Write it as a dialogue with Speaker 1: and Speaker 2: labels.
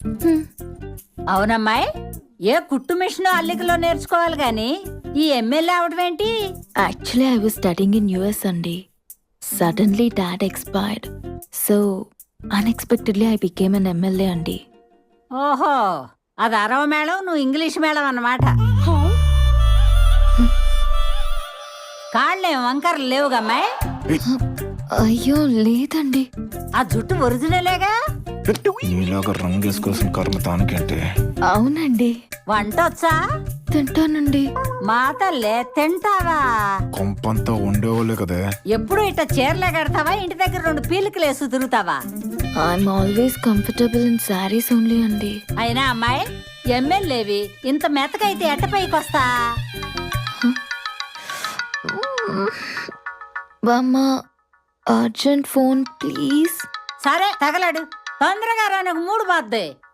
Speaker 1: అవునమ్మాయి, ఏ కుట్టు మిషన్ అల్లికలో నేర్చుకోవాలి గాని ఈ ఎమ్మెల్యే అవడం ఏంటి?
Speaker 2: Actually I was studying in US అండి. Suddenly dad expired, so unexpectedly I became an MLA అండి.
Speaker 1: ఓహో, అది అరవ మేళం, నువ్వు ఇంగ్లీష్ మేళం అన్నమాట. కాళ్ళేం వంకరలు లేవుగమ్మాయి?
Speaker 2: అయ్యో లేదండి.
Speaker 1: ఆ జుట్టు ఒరిజినలేగా?
Speaker 3: నీలాగా రంగేసుకోవాల్సిన కర్మ తానుకంటే.
Speaker 2: అవునండి.
Speaker 1: వంట వచ్చా?
Speaker 2: తింటానండి.
Speaker 1: మా తల్లే, తింటావా?
Speaker 3: కొంపంతా ఉండేవాళ్ళే కదే.
Speaker 1: ఎప్పుడు ఇట్ట చీరలే కడతావా, ఇంటి దగ్గర 2 పీలికలేసు తిరుగుతావా?
Speaker 2: I'm always comfortable in saris only అండి.
Speaker 1: అయినా అమ్మాయి, ఎమ్మెల్యేవి ఇంత మెతకైతే ఎట్ట పైకొస్తా?
Speaker 2: బామ్మ, అర్జెంట్ ఫోన్ ప్లీజ్.
Speaker 1: సరే తగలడు, తొందరగా రా, నాకు 3 బాద్దే.